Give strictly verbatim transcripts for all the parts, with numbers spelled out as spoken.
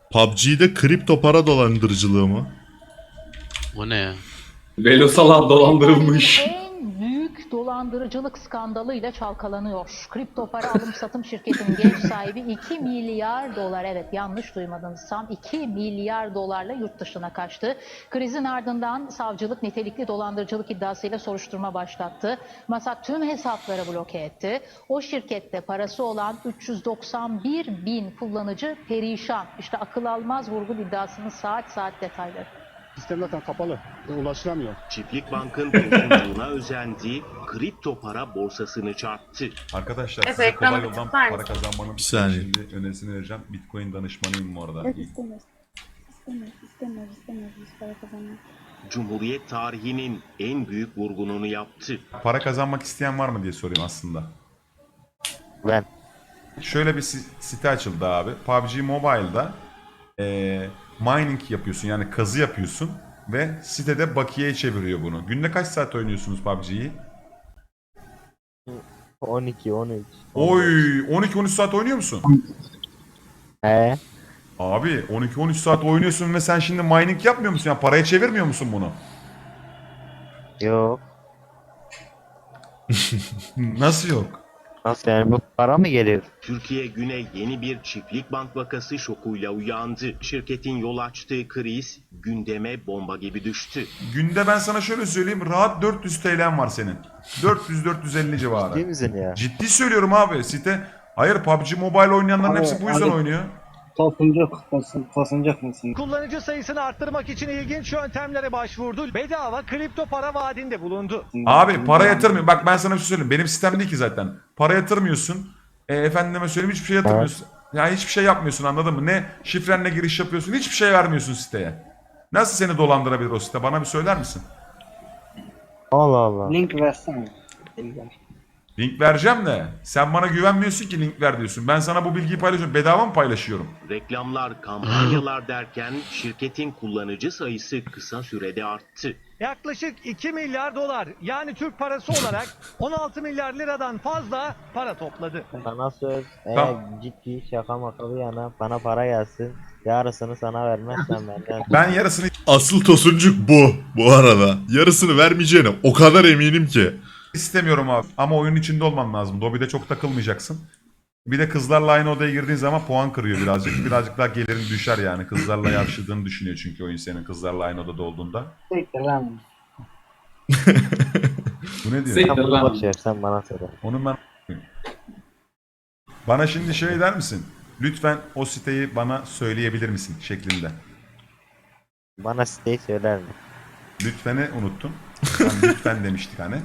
P U B G'de kripto para dolandırıcılığı mı? O ne ya? Velosalar dolandırılmış. En büyük dolandırıcılık skandalıyla çalkalanıyor. Kripto para alım satım şirketinin genç sahibi iki milyar dolar, evet yanlış duymadınız, tam iki milyar dolarla yurt dışına kaçtı. Krizin ardından savcılık nitelikli dolandırıcılık iddiasıyla soruşturma başlattı. Masak tüm hesapları bloke etti. O şirkette parası olan üç yüz doksan bir bin kullanıcı perişan. İşte akıl almaz vurgun iddiasının saat saat detayları. Sistem zaten kapalı. Ulaşılamıyor. Çiftlik Bank'ın bozgunluğuna özendiği kripto para borsasını çarptı. Arkadaşlar Evet, size kolay ekranı yoldan tutar para mısın? kazanmanın Bir saniye. şimdi önerisini vereceğim. Bitcoin danışmanıyım bu arada. Yok istemiyoruz. İstemiyoruz, istemiyoruz, istemiyoruz biz para kazanmak. Cumhuriyet tarihinin en büyük vurgununu yaptı. Para kazanmak isteyen var mı diye sorayım aslında. Ben. Şöyle bir si- site açıldı abi. P U B G Mobile'da eee, mining yapıyorsun, yani kazı yapıyorsun ve sitede bakiyeye çeviriyor bunu. Günde kaç saat oynuyorsunuz P U B G'yi? on iki on üç. Oy, on iki on üç saat oynuyor musun? He. Abi on iki on üç saat oynuyorsun ve sen şimdi mining yapmıyor musun? Yani paraya çevirmiyor musun bunu? Yok. Nasıl yok? Nasıl yani, bu para mı geliyor? Türkiye güne yeni bir çiftlik bank vakası şokuyla uyandı. Şirketin yol açtığı kriz gündeme bomba gibi düştü. Günde ben sana şöyle söyleyeyim, rahat dört yüz T L'm var senin. dört yüz dört yüz elli civarı. Değil misin ya? Ciddi söylüyorum abi, site. Hayır, P U B G Mobile oynayanların Abi, hepsi bu yüzden abi. oynuyor. Tosunacak, tosun, tosunacak mısın? Kullanıcı sayısını arttırmak için ilginç yöntemlere başvurdu. Bedava kripto para vaadinde bulundu. Abi para yatırmıyor. Bak ben sana bir şey söyleyeyim. Benim sistem değil ki zaten. Para yatırmıyorsun. E, efendime söyleyeyim, hiçbir şey yatırmıyorsun. Yani hiçbir şey yapmıyorsun, anladın mı? Ne şifrenle giriş yapıyorsun, hiçbir şey vermiyorsun siteye. Nasıl seni dolandırabilir o site? Bana bir söyler misin? Allah Allah. Link versene. Link vereceğim de sen bana güvenmiyorsun ki link ver diyorsun. Ben sana bu bilgiyi paylaşıyorum. Bedava mı paylaşıyorum? Reklamlar, kampanyalar derken şirketin kullanıcı sayısı kısa sürede arttı. Yaklaşık iki milyar dolar, yani Türk parası olarak on altı milyar liradan fazla para topladı. Sana söz, eğer Tamam. ciddi şaka maka bir yana bana para gelsin. Yarısını sana vermezsen benden. Ben yarısını Asıl tosuncuk bu. Bu arada. Yarısını vermeyeceğine o kadar eminim ki. istemiyorum abi. Ama oyunun içinde olman lazım. Dobby'de çok takılmayacaksın. Bir de kızlarla aynı odaya girdiğin zaman puan kırıyor birazcık. Birazcık daha gelirin düşer yani. Kızlarla yarıştığını düşünüyor çünkü oyun senin kızlarla aynı odada olduğunda. Siktir lan. Bu ne diyor? Sek- Sen bunu lan. boş ver, sen bana söyle. Onun ben... Bana şimdi şey der misin? Lütfen o siteyi bana söyleyebilir misin şeklinde. Bana siteyi söyler mi? Lütfen'i unuttun. Hani lütfen demiştik hani.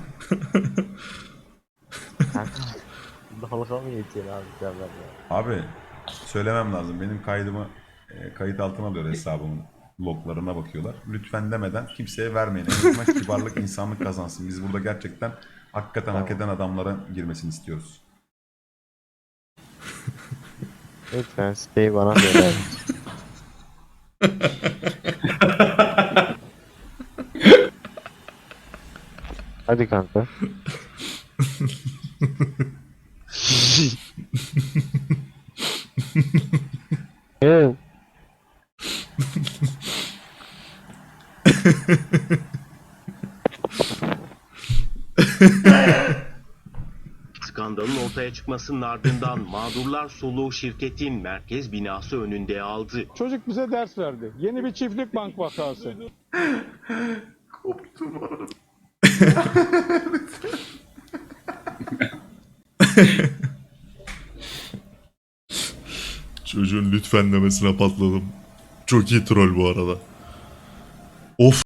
Dalga mı geçiyor abi sen benimle? Abi söylemem lazım. Benim kaydımı e, kayıt altına alıyor hesabımın loglarına bakıyorlar. Lütfen demeden kimseye vermeyin. En azından kibarlık, insanlık kazansın. Biz burada gerçekten hakikaten hak eden adamlara girmesini istiyoruz. Lütfen siteyi bana söyler misin? Hadi kanka. Evet. Skandalın ortaya çıkmasının ardından mağdurlar soluğu şirketin merkez binası önünde aldı. Çocuk bize ders verdi. Yeni bir çiftlik bank vakası. Koptum orada. Çocuğun lütfen demesine patladım. Çok iyi troll bu arada. Of.